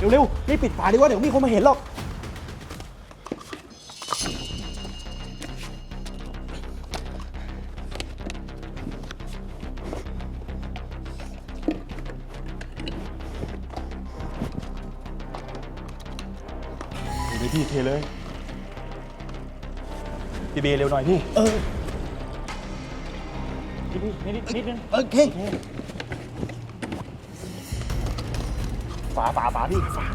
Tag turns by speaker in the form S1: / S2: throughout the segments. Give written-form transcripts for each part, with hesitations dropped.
S1: เร็วๆรีบปิดฝาดีกว่าเดี๋ยวมีคนมาเห็นหรอกเลยพี่เทเลยพี่เบเร็วหน่อยพี่นิดนึงโอเคฝาพี่ฝา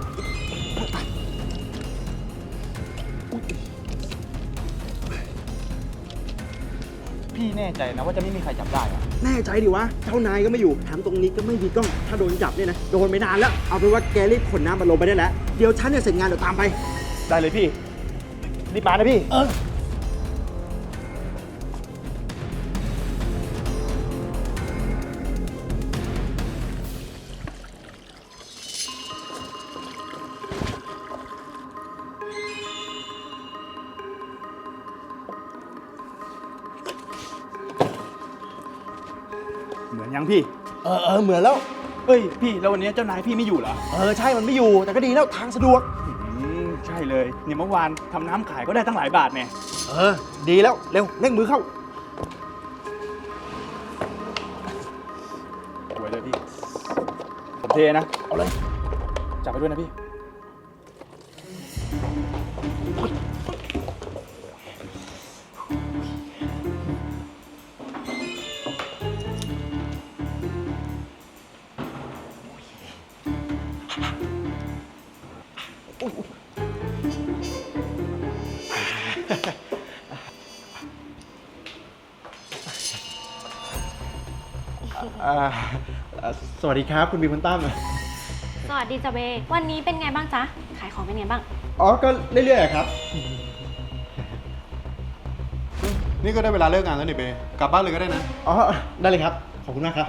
S1: พี่แน่ใจนะว่าจะไม่มีใครจับได้อะแน่ใจดิวะเจ้านายก็ไม่อยู่แถมตรงนี้ก็ไม่มีกล้องถ้าโดนจับเนี่ยนะโดนไม่นานแล้วเอาเป็นว่าแกรีบขนน้ำมันลงไปได้แล้วเดี๋ยวฉันเนี่ยเสร็จงานเดี๋ยวตามไปได้เลยพี่รีบมานะพี่เหมือนยังพี่เหมือนแล้วเฮ้ยพี่แล้ววันนี้เจ้านายพี่ไม่อยู่เหรอใช่มันไม่อยู่แต่ก็ดีแล้วทางสะดวกใช่เลยเนี่ยเมื่อวานทำน้ำขายก็ได้ตั้งหลายบาทเนี่ยดีแล้วเร็วเร่งมือเข้าไว้เลยพี่ผมเทนะเอาเลยจับไปด้วยนะพี่สวัสดีครับคุณบีคุณตั้ม
S2: สวัสดีจ้ะเบวันนี้เป็นไงบ้างจ๊ะขายของเป็นไงบ้าง
S1: ก็เรื่อยๆครับ
S3: นี่ก็ได้เวลาเลิกงานแล้วนี่เบกลับบ้านเลยก็ได้นะ
S1: ได้เลยครับขอบคุณมากครับ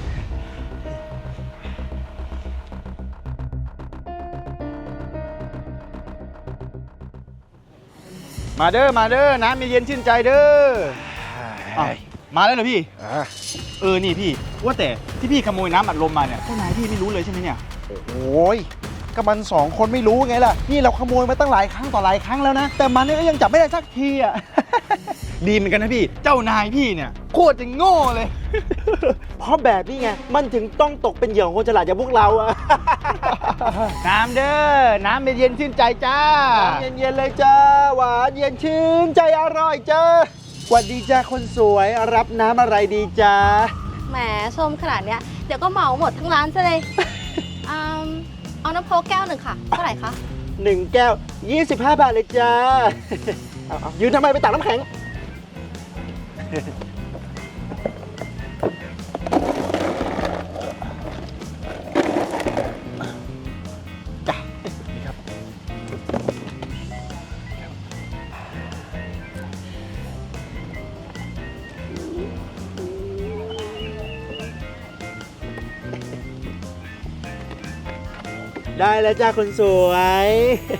S1: มาเด้อน้ำเย็นชื่นใจเด้อมาแล้วเหรอพี่นี่พี่ว่าแต่ที่พี่ขโมยน้ำอัดลมมาเนี่ยเจ้านายพี่ไม่รู้เลยใช่ไหมเนี่ยโอ้ยก็มัน2 คนไม่รู้ไงล่ะนี่เราขโมยมาตั้งหลายครั้งต่อหลายครั้งแล้วนะแต่มันเนี่ยก็ยังจับไม่ได้สักทีอ่ะ ดีเหมือนกันนะพี่เจ้านายพี่เนี่ยโคตรจะโง่เลย เพราะแบบนี้ไงมันถึงต้องตกเป็นเหยื่อของคนฉลาดอย่างพวกเราอะ น้ำเด้อน้ำเย็นชื่นใจจ้าน้ำเย็นเลยจ้าหวานเย็นชื่นใจอร่อยจ้าสวัสดีจ้าคนสวยรับน้ำอะไรดีจ้า
S2: แหมชมขนาดเนี้ยเดี๋ยวก็เหมาหมดทั้งร้านซะเลย เอาน้ำโค้กแก้วหนึ่งค่ะเท่าไหร่คะ
S1: 1 แก้ว25 บาทเลยจ้า เอายืนทำไมไปตักน้ำแข็งจ้ะนี่ครับได้แล้วจ้าคนสวย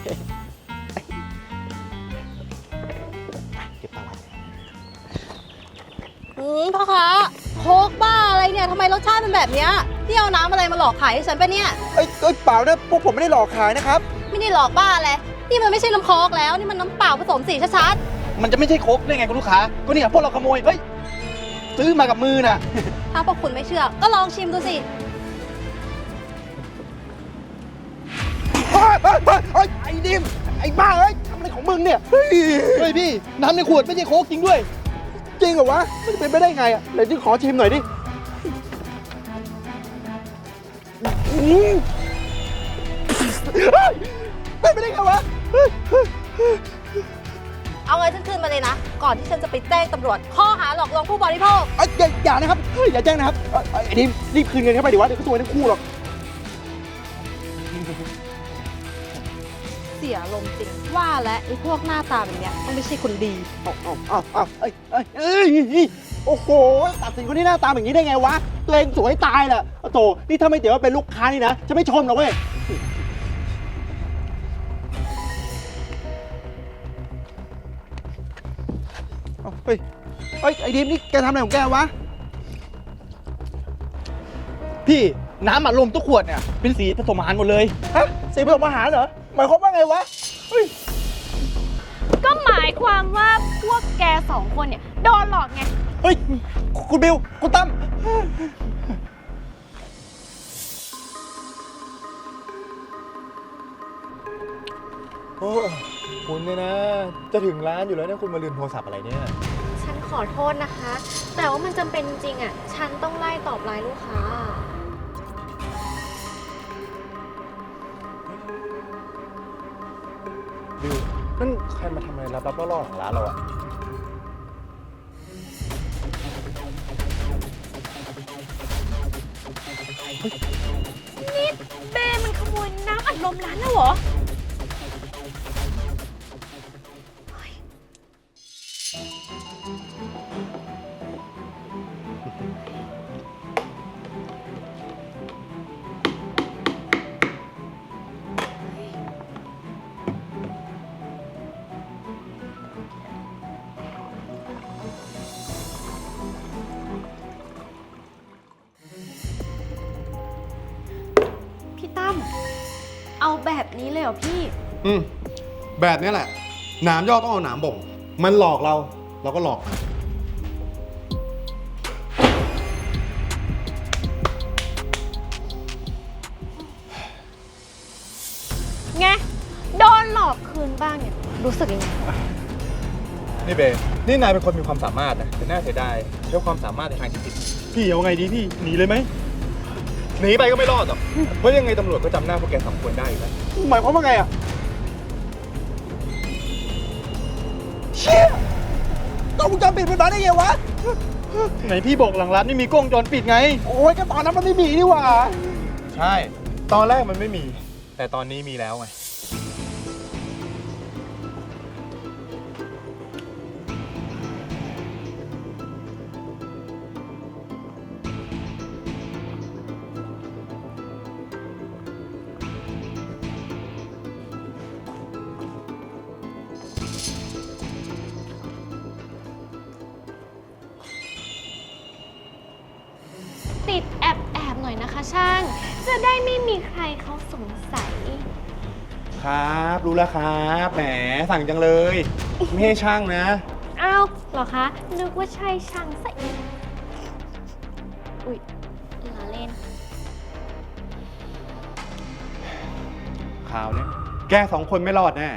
S1: เก็บตังค์ไว้
S2: พ่อค้าโค้กบ้าอะไรเนี่ยทำไมรสชาติเป็นแบบเนี้ยพี่เอาน้ำอะไรมาหลอกขายให้ฉันปะเนี่ย
S1: เปล่านะพวกผมไม่ได้หลอกขายนะครับ
S2: ไม่ได้หลอกบ้าอะไรนี่มันไม่ใช่น้ำโค้กแล้วนี่มันน้ำเปล่าผสมสีชัด
S1: ๆมันจะไม่ใช่โค้กได้ไงคุณลูกค้าก็เนี่ยพวกเราขโมยเฮ้ยซื้อมากับมือน่ะ
S2: ถ้าพวกคุณไม่เชื่อก็ลองชิมดูสิ
S1: ไอ้ดิมไอ้บ้าเอ้ยทำอะไรของมึงเนี่ยเฮ้ยพี่น้ำในขวดไม่ใช่โค้กจริงด้วยจริงเหรอวะมันเป็นไปได้ไงอ่ะไหนขอชิมหน่อยดิเป็นไปได้ไงวะ
S2: เอาเงินฉันคืนมาเลยนะก่อนที่ฉันจะไปแจ้งตำรวจข้อหาหลอกลวงผู้บริโภค
S1: อย่านะครับอย่าแจ้งนะครับไอ้ดิมรีบคืนเงินเข้าไปดิวะเดี๋ยวก็ซวยทั้งคู่หรอก
S2: เสียลมจริงว่าและไอ้พวกหน้าตาแบบเนี้ยต้องไม่ใช่คนดี
S1: โอ้โหตัดสินคนที่หน้าตาแบบนี้ได้ไงวะตัวเองสวยตายแหละโถนี่ถ้าไม่เดี๋ยวว่าเป็นลูกค้านี่นะจะไม่ชมหรอกเว้ยเฮ้ยไอ้ดิมนี่แกทำอะไรของแกวะพี่น้ำอัดลมทุกขวดเนี่ยเป็นสีผสมอาหารหมดเลยฮะสีผสมอาหารเหรอ หมายความว่าไงวะ เฮ้ย
S4: ก็หมายความว่าพวกแกสองคนเนี่ยโดนหลอกไง
S1: เฮ้ย คุณบิว คุณตั้ม
S3: โอ้คุณเนี่ยนะ จะถึงร้านอยู่แล้วเนี่ยคุณมาลืมโทรศัพท์อะไรเนี่ย
S4: ฉันขอโทษนะคะ แต่ว่ามันจำเป็นจริงๆอ่ะ ฉันต้องไล่ตอบไลน์ลูกค้า
S3: บิว นั่นใครมาทำอะไรลับๆล่อๆของร้านเราอะ
S4: นี่เบมันขโมยน้ำอัดลมร้านแล้วเหรอ พี่ตั้ม เอาแบบนี้เลยเหรอพี่
S3: แบบนี้แหละ หนามยอกต้องเอาหนามบ่ง มันหลอกเรา เราก็หลอกมัน
S4: ไง โดนหลอกคืนบ้างเนี่ย รู้สึกยังไง
S5: นี่เบนี่นายเป็นคนมีความสามารถนะแต่น่าเสียดายใช้ความสามารถในทางที่ผิด
S1: พี่เอาไงดีพี่ หนีเลยไหม
S5: หนีไปก็ไม่รอดหรอก เพราะยังไงตำรวจก็จำหน้าพวกแกสองคนได้อยู่แล้ว
S1: หมายความว่าไงอ่ะ เชี่ยกล้องวงจรปิดมันมาได้ไงวะ ไหนพี่บอกหลังร้านไม่มีกล้องวงจรปิดไง โอ้ยก็ตอนนั้นมันไม่มีนี่หว่า
S5: ใช่ ตอนแรกมันไม่มี แต่ตอนนี้มีแล้วไง
S4: ติดแอบหน่อยนะคะช่าง จะได้ไม่มีใครเขาสงสัย
S3: ครับ รู้แล้วครับ แหม สั่งจังเลย ไม่ให้ช่างนะ
S4: อ้าวเหรอคะ นึกว่าใช่ช่างซะอีก อุ๊ยล้อเล่น
S3: ข่าวเนี้ยแกสองคนไม่รอดแน่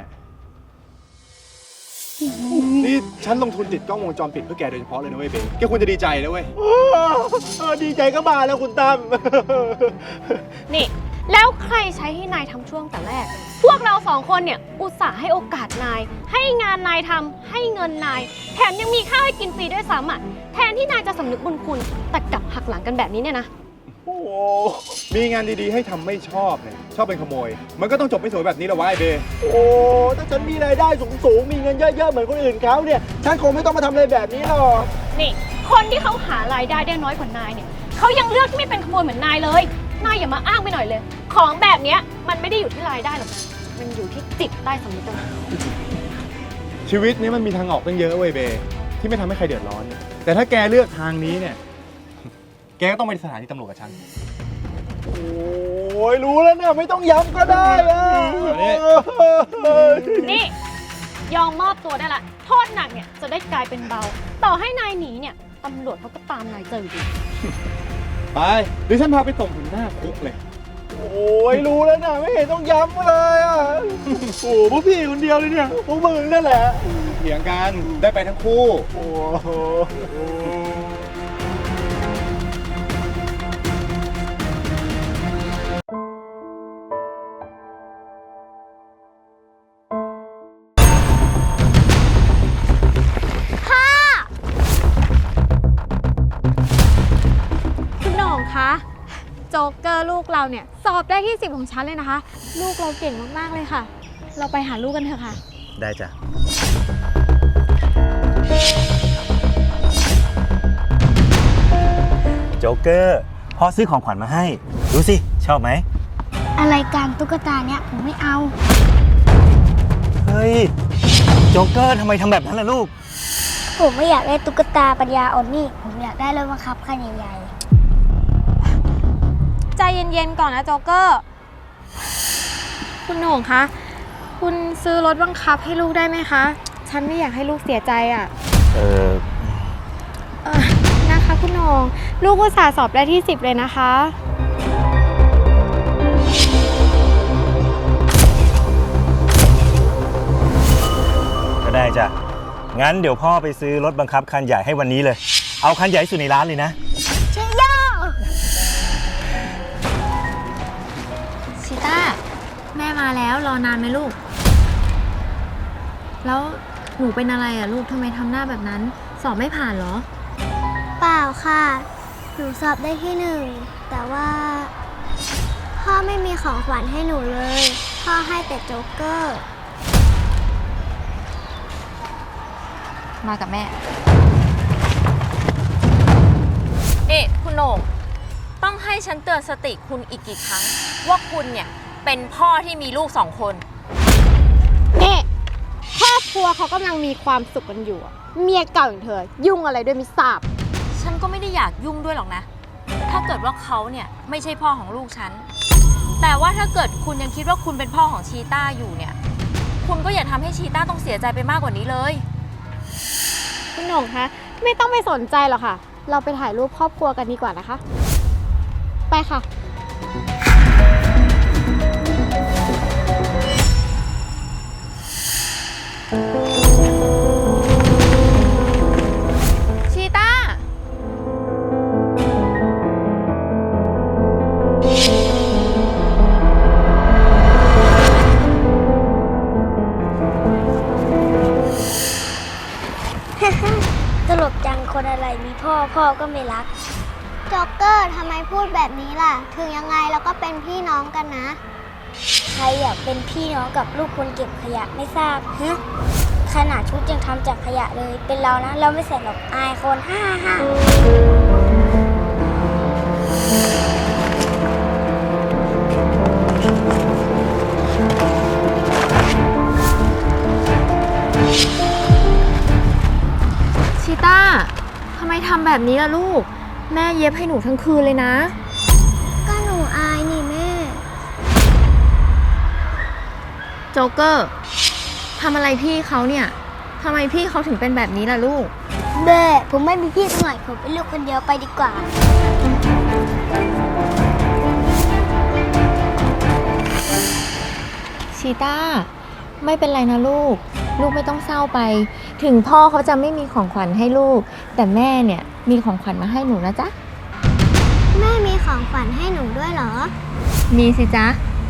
S3: นี่ฉันลงทุนติดกล้องวงจรปิดเพื่อแกโดยเฉพาะเลยนะเว้ยเบแกควรจะดีใจนะเว้ย
S1: ดีใจก็มาแล้วคุณตั้ม
S4: นี่ แล้วใครใช้ให้นายทำช่วงแต่แรก พวกเราสองคนเนี่ย อุตส่าห์ให้โอกาสนาย ให้งานนายทำให้เงินนาย แถมยังมีข้าวให้กินฟรีด้วยซ้ำอ่ะ แทนที่นายจะสำนึกบุญคุณ แต่กลับหักหลังกันแบบนี้เนี่ยนะ
S3: โอ้โหมีงานดีๆให้ทำไม่ชอบเนี่ย ชอบเป็นขโมย มันก็ต้องจบไม่สวยแบบนี้แหละวะไอ้เบ
S1: โอ้ ถ้าฉันมีรายได้สูงๆ มีเงินเยอะๆ เหมือนคนอื่นเขาเนี่ย ฉันคงไม่ต้องมาทำอะไรแบบนี้หรอก
S4: นี่ คนที่เขาหารายได้ได้น้อยกว่านายเนี่ยเขายังเลือกที่ไม่เป็นขโมยเหมือนนายเลย นายอย่ามาอ้างไปหน่อยเลย ของแบบเนี้ยมันไม่ได้อยู่ที่รายได้หรอกนะ มันอยู่ที่จิตใต้สำนึกต่างหาก
S3: ชีวิตนี้มันมีทางออกตั้งเยอะเว้ยเบ ที่ไม่ทำให้ใครเดือดร้อน แต่ถ้าแกเลือกทางนี้เนี่ย แกก็ต้องไปสถานีตำรวจกับฉัน
S1: โอ้ยรู้แล้วเนี่ยไม่ต้องย้ำก็ได้อะ
S4: นี่ ยอมมอบตัวได้ละ โทษหนักเนี่ยจะได้กลายเป็นเบา ต่อให้นายหนีเนี่ยตำรวจเขาก็ตามนายเจออยู่ดี
S3: ไปเดี๋ยวฉันพาไปส่งถึงหน้าคุกเลย
S1: โอ้ยรู้แล้วเนี่ยไม่เห็นต้องย้ำเลยอ่ะ โอ้พวกพี่คนเดียวเลยเนี่ยพวกมึงนั่นแหละ
S3: เถียงกันได้ไปทั้งคู่
S1: โอ้โห
S6: คุณหน่องคะ โจ๊กเกอร์ลูกเราเนี่ยสอบได้ที่ 10 ของฉันเลยนะคะ ลูกเราเก่งมากๆเลยค่ะ เราไปหาลูกกันเถอะค่ะ
S5: ได้จ้ะ
S7: โจ๊กเกอร์พ่อซื้อของขวัญมาให้ ดูสิ ชอบไหม
S8: อะไรการตุ๊กตาเนี่ยผมไม่เอา
S7: เฮ้ย โจ๊กเกอร์ทำไมทำแบบนั้นล่ะลูก
S8: ผมไม่อยากได้ตุ๊กตาปัญญาอ่อนนี่ ผมอยากได้รถบังคับคันใหญ่
S6: ใจเย็นๆก่อนนะโจ๊กเกอร์คุณโหน่งคะ คุณซื้อรถบังคับให้ลูกได้ไหมคะ ฉันไม่อยากให้ลูกเสียใจอะ
S7: เออ
S6: นะคะคุณโหน่ง ลูกอุตส่าห์สอบได้ที่ 10 เลยนะคะ
S7: ก็ได้จ้ะ งั้นเดี๋ยวพ่อไปซื้อรถบังคับคันใหญ่ให้วันนี้เลย เอาคันใหญ่ที่สุดในร้านเลยนะ
S6: ชิต้า แม่มาแล้วรอนานไหมลูก แล้วหนูเป็นอะไรอะลูกทำไมทำหน้าแบบนั้น สอบไม่ผ่านเหรอ
S8: เปล่าค่ะ หนูสอบได้ที่ 1 แต่ว่า พ่อไม่มีของขวัญให้หนูเลย พ่อให้แต่โจ๊กเกอร์
S4: มากับแม่นี่คุณโหน่งต้องให้ฉันเตือนสติคุณอีกกี่ครั้ง ว่าคุณเนี่ยเป็นพ่อที่มีลูก2 คน
S6: นี่ครอบครัวเขากำลังมีความสุขกันอยู่อะเมียเก่าอย่างเธอ ยุ่งอะไรด้วยไม่ทราบ
S4: ฉันก็ไม่ได้อยากยุ่งด้วยหรอกนะ ถ้าเกิดว่าเขาเนี่ยไม่ใช่พ่อของลูกฉัน แต่ว่าถ้าเกิดคุณยังคิดว่าคุณเป็นพ่อของชีต้าอยู่เนี่ย คุณก็อย่าทำให้ชีต้าต้องเสียใจไปมากกว่านี้เลย
S6: คุณโหน่งคะ ไม่ต้องไปสนใจหรอกค่ะ เราไปถ่ายรูปครอบครัวกันดีกว่านะคะ ไปค่ะ
S4: ชีต้า
S8: ตลกจังคนอะไรมีพ่อพ่อก็ไม่รักโจ๊กเกอร์ทำไมพูดแบบนี้ล่ะ ถึงยังไงเราก็เป็นพี่น้องกันนะ ใครอยากเป็นพี่น้องกับลูกคนเก็บขยะไม่ทราบฮะขนาดชุดยังทำจากขยะเลย เป็นเรานะ เราไม่ใส่หรอกอายคนฮ่าฮ่า
S4: ชีต้า ทำไมทำแบบนี้ล่ะลูก แม่เย็บให้หนูทั้งคืนเลยนะ
S8: ก็หนูอายนี่แม่
S4: โจ๊กเกอร์ทำอะไรพี่เขาเนี่ยทำไมพี่เขาถึงเป็นแบบนี้ล่ะลูก
S8: เบ้ผมไม่มีพี่หน่อย ผมเป็นลูกคนเดียวไปดีกว่า
S4: ชีต้า ไม่เป็นไรนะลูก ลูกไม่ต้องเศร้าไป ถึงพ่อเขาจะไม่มีของขวัญให้ลูก แต่แม่เนี่ยมีของขวัญมาให้หนูนะจ๊ะ
S8: แม่มีของขวัญให้หนูด้วยเหรอ
S4: มีสิจ๊ะ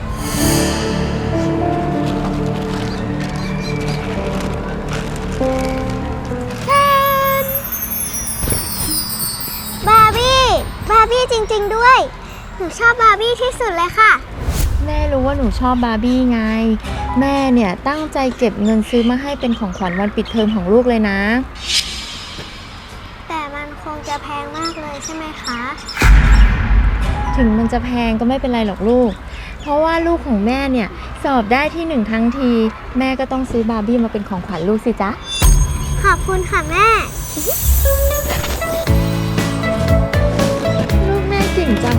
S8: บาร์บี้จริงๆด้วย หนูชอบบาร์บี้ที่สุดเลยค่ะ
S4: แม่รู้ว่าหนูชอบบาร์บี้ไง แม่เนี่ยตั้งใจเก็บเงินซื้อมาให้เป็นของขวัญวันปิดเทอมของลูกเลยนะ
S8: แต่มันคงจะแพงมากเลยใช่ไหมคะ
S4: ถึงมันจะแพงก็ไม่เป็นไรหรอกลูก เพราะว่าลูกของแม่เนี่ยสอบได้ที่ 1ทั้งที แม่ก็ต้องซื้อบาร์บี้มาเป็นของขวัญลูกสิจ๊ะ
S8: ขอบคุณค่ะแม่
S4: ลูกแม่เก่งจัง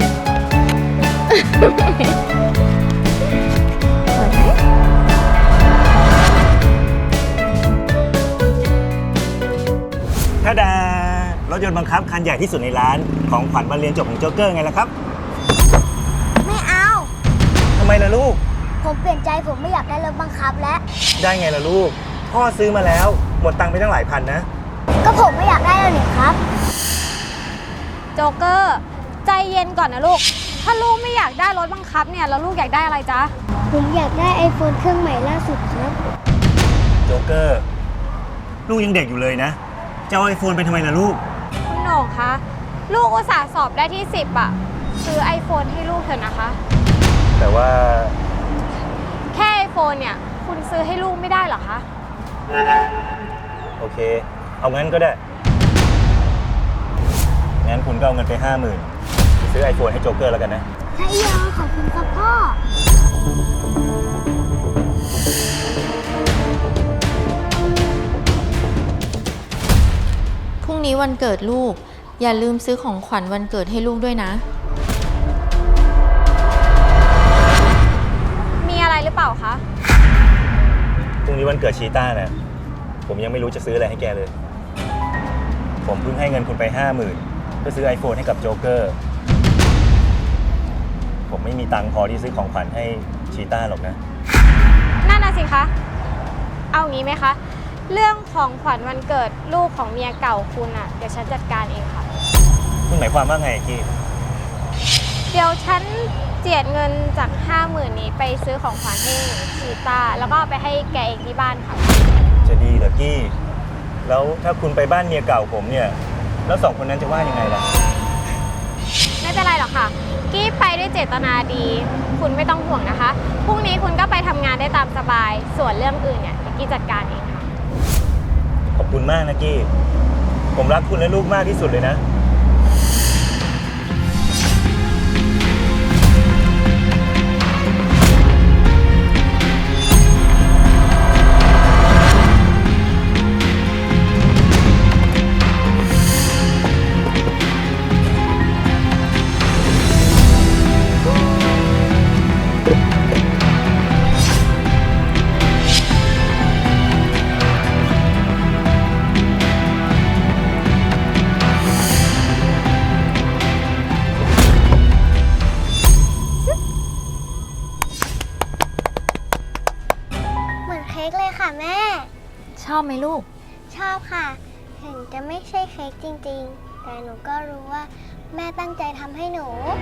S7: ถ้าดารถยนต์บังคับคันใหญ่ที่สุดในร้าน ของขวัญวันเรียนจบของโจ๊กเกอร์ไงล่ะครับ
S8: ไม่เอา
S7: ทำไมล่ะลูก
S8: ผมเปลี่ยนใจผมไม่อยากได้รถบังคับแล้ว
S7: ได้ไงล่ะลูก พ่อซื้อมาแล้ว หมดตังค์ไปตั้งหลายพันนะ
S8: ก็ผมไม่อยากได้แล้วนี่ครับ
S6: โจ๊กเกอร์ ใจเย็นก่อนนะลูก ถ้าลูกไม่อยากได้รถบังคับเนี่ย แล้วลูกอยากได้อะไรจ๊ะ
S8: ผมอยากได้ iPhone เครื่องใหม่ล่าสุดครับ
S7: โจ๊กเกอร์ ลูกยังเด็กอยู่เลยนะ จะเอาไอโฟนไปทำไมล่ะลูก
S6: คุณโหน่งคะ ลูกอุตส่าห์สอบได้ที่ 10อะซื้อ iPhone ให้ลูกเถอะนะคะ
S7: แต่ว่า
S6: แค่ iPhone เนี่ย คุณซื้อให้ลูกไม่ได้เหรอคะ
S7: โอเค เอางั้นก็ได้ งั้นคุณก็เอาเงินไป 50,000 ซื้อไอโฟนให้โจ๊กเกอร์แล้วกันนะ
S8: ใช่ยอขอบคุณครับพ่อ
S4: พรุ่งนี้วันเกิดลูก อย่าลืมซื้อของขวัญวันเกิดให้ลูกด้วยนะ
S6: มีอะไร
S7: รุ่งนี้วันเกิดชีต้านะผมยังไม่รู้จะซื้ออะไรให้แกเลย ผมเพิ่งให้เงินคุณไป 50,000เพื่อซื้อ iPhone ให้กับโจ๊กเกอร์ ผมไม่มีตังค์พอที่ซื้อของขวัญให้ชีต้าหรอกนะ
S6: นั่นน่ะสิคะ เอางี้ไหมคะ เรื่องของขวัญวันเกิดลูกของเมียเก่าคุณอะเดี๋ยวฉันจัดการเองค่ะ
S7: คุณหมายความว่าไงกี้
S6: เดี๋ยวฉันเจียดเงินจาก 50,000 นี้ไปซื้อของขวัญให้ชีต้าแล้วก็เอาไปให้แกเองที่บ้านค่ะ
S7: จะดีเหรอกี้ แล้วถ้าคุณไปบ้านเมียเก่าผมเนี่ย แล้วสองคนนั้นจะว่ายังไงล่ะ
S6: ไม่เป็นไรหรอกค่ะ กี้ไปด้วยเจตนาดี คุณไม่ต้องห่วงนะคะ พรุ่งนี้คุณก็ไปทำงานได้ตามสบาย ส่วนเรื่องอื่นเนี่ยเดี๋ยวกี้จัดการเองค่ะ
S7: ขอบคุณมากนะกี้ ผมรักคุณและลูกมากที่สุดเลยนะ
S8: เหมือนเค้กเลยค่ะแม่
S2: ชอบไหมลูก
S8: ชอบค่ะ ถึงจะไม่ใช่เค้กจริงๆ แต่หนูก็รู้ว่าแม่ตั้งใจทำให้หนู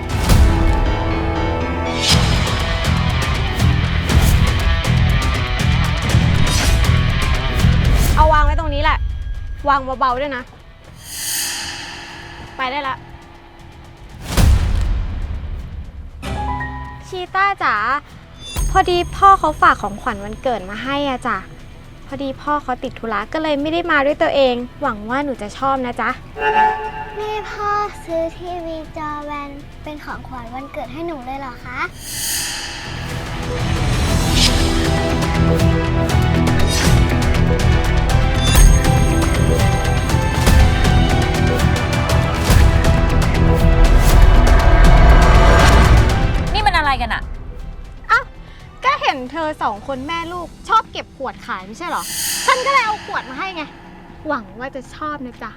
S6: เอาวางไว้ตรงนี้แหละ วางเบาๆด้วยนะ ไปได้ละ ชีต้าจ๋า พอดีพ่อเขาฝากของขวัญวันเกิดมาให้อะจ้ะ พอดีพ่อเขาติดธุระก็เลยไม่ได้มาด้วยตัวเอง หวังว่าหนูจะชอบนะจ๊ะ
S8: แม่พ่อซื้อทีวีจอแบนเป็นของขวัญวันเกิดให้หนูเลยเหรอคะ
S2: นี่มันอะไรกันอะ
S6: อ้าว ก็เห็นเธอสองคนแม่ลูกชอบเก็บขวดขายไม่ใช่เหรอ ฉันก็เลยเอาขวดมาให้ไง หวังว่าจะชอบนะจ๊ะ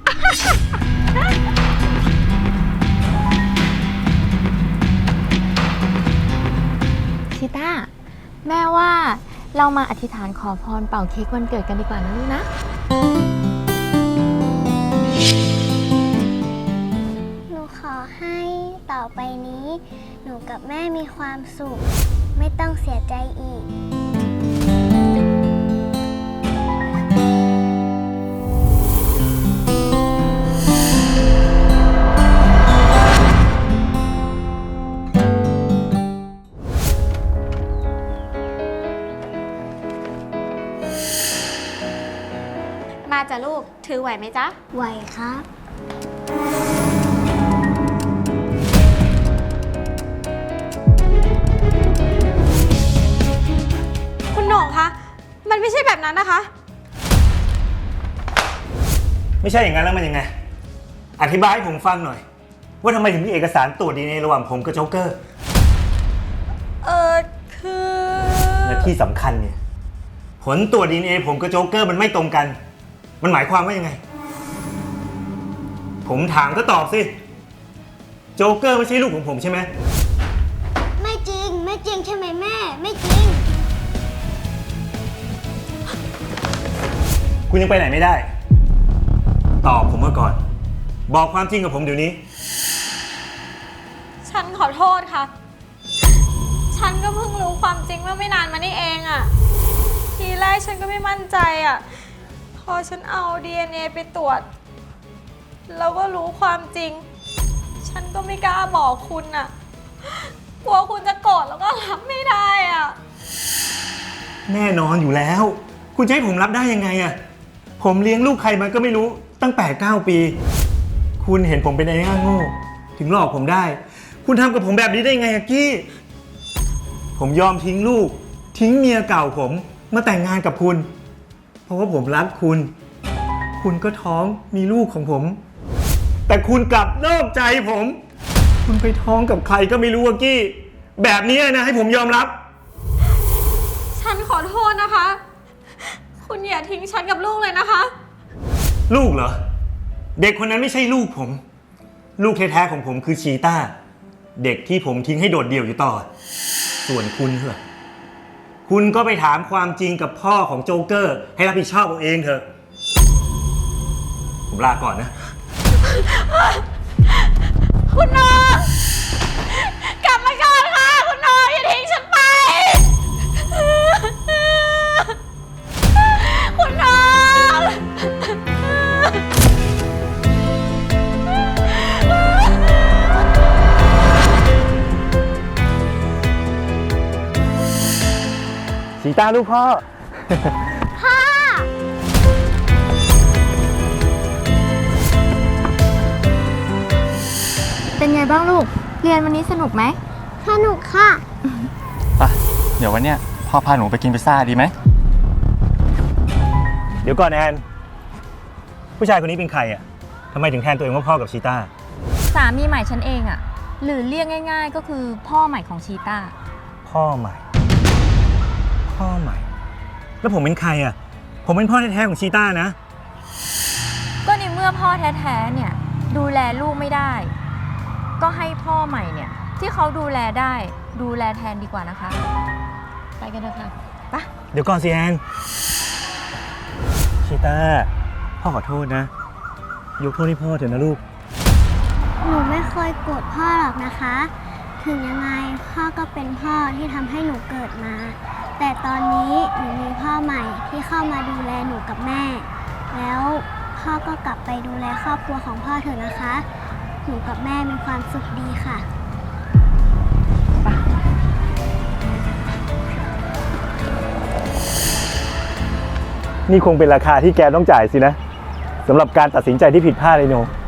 S2: ชีต้า แม่ว่าเรามาอธิษฐานขอพรเป่าเค้กวันเกิดกันดีกว่านะลูกนะ
S8: หนูขอให้ต่อไปนี้ หนูกับแม่มีความสุข ไม่ต้องเสียใจอีก
S6: มาจ้ะลูก ถือไหวไหมจ๊ะ
S8: ไหวครับ
S6: คุณโหน่งคะ มันไม่ใช่แบบนั้นนะคะ
S7: ไม่ใช่อย่างนั้นแล้วมันยังไง อธิบายให้ผมฟังหน่อย ว่าทำไมถึงมีเอกสารตรวจ DNA ระหว่างผมกับโจ๊กเกอร์
S6: คือ
S7: และที่สำคัญเนี่ย ผลตรวจ DNA ผมกับโจ๊กเกอร์มันไม่ตรงกัน มันหมายความว่ายังไง ผมถามก็ตอบสิ โจ๊กเกอร์ไม่ใช่ลูกของผมใช่ไหม
S8: ไม่จริง ไม่จริงใช่ไหมแม่ ไม่จริง
S7: คุณยังไปไหนไม่ได้ ตอบผมมาก่อน บอกความจริงกับผมเดี๋ยวนี้
S6: ฉันขอโทษค่ะ ฉันก็เพิ่งรู้ความจริงเมื่อไม่นานมานี่เองอะทีแรกฉันก็ไม่มั่นใจอะพอฉันเอา DNA ไปตรวจ แล้วก็รู้ความจริง ฉันก็ไม่กล้าบอกคุณอะกลัวคุณจะโกรธแล้วก็รับไม่ได้อะ
S7: แน่นอนอยู่แล้ว คุณจะให้ผมรับได้ยังไงอะผมเลี้ยงลูกใครมาก็ไม่รู้ตั้ง8-9 ปี คุณเห็นผมเป็นไอ้ง่าโง่ถึงหลอกผมได้ คุณทำกับผมแบบนี้ได้ยังไงอะกี้ ผมยอมทิ้งลูก ทิ้งเมียเก่าผมมาแต่งงานกับคุณ เพราะว่าผมรักคุณ คุณก็ท้องมีลูกของผม แต่คุณกลับนอกใจผม คุณไปท้องกับใครก็ไม่รู้อะกี้ แบบนี้นะให้ผมยอมรับ
S6: ฉันขอโทษนะคะคุณอย่าทิ้งฉันกับลูกเลยนะคะ
S7: ลูกเหรอ เด็กคนนั้นไม่ใช่ลูกผม ลูกแท้ๆของผมคือชีต้า เด็กที่ผมทิ้งให้โดดเดี่ยวอยู่ต่อ ส่วนคุณเหรอคุณก็ไปถามความจริงกับพ่อของโจ๊กเกอร์ ให้รับผิดชอบเอาเองเถอะ ผมลาก่อนนะ
S6: คุณน้องกลับมาก่อนค่ะ คุณน้องอย่าทิ้งฉันไป คุณน้อง
S7: ชีต้าลูกพ่อ
S2: เป็นไงบ้างลูก เรียนวันนี้สนุกไหม
S8: สนุกค่ะ
S3: เดี๋ยววันเนี้ยพ่อพาหนูไปกินพิซซ่าดีไหม
S7: เดี๋ยวก่อนแอน ผู้ชายคนนี้เป็นใครอ่ะทำไมถึงแทนตัวเองว่าพ่อกับชีต้า
S9: สามีใหม่ฉันเองอะหรือเรียกง่าย ๆ ก็คือพ่อใหม่ของชีต้า
S7: พ่อใหม่ พ่อใหม่ แล้วผมเป็นใครอ่ะ ผมเป็นพ่อแท้ๆของชีต้านะ
S9: ก็ในเมื่อพ่อแท้ๆเนี่ยดูแลลูกไม่ได้ ก็ให้พ่อใหม่เนี่ยที่เขาดูแลได้ดูแลแทนดีกว่านะคะ ไปกันเถอะค่ะไป
S7: เดี๋ยวก่อนสิแอน ชีต้า พ่อขอโทษนะ ยกโทษให้พ่อเถอะนะลูก
S8: หนูไม่เคยโกรธพ่อหรอกนะคะ ถึงยังไงพ่อก็เป็นพ่อที่ทำให้หนูเกิดมา แต่ตอนนี้หนูมีพ่อใหม่ที่เข้ามาดูแลหนูกับแม่ แล้วพ่อก็กลับไปดูแลครอบครัวของพ่อเถอะนะคะ หนูกับแม่มีความสุขดีค่ะ
S7: นี่คงเป็นราคาที่แกต้องจ่ายสินะสำหรับการตัดสินใจที่ผิดพลาดเลยโน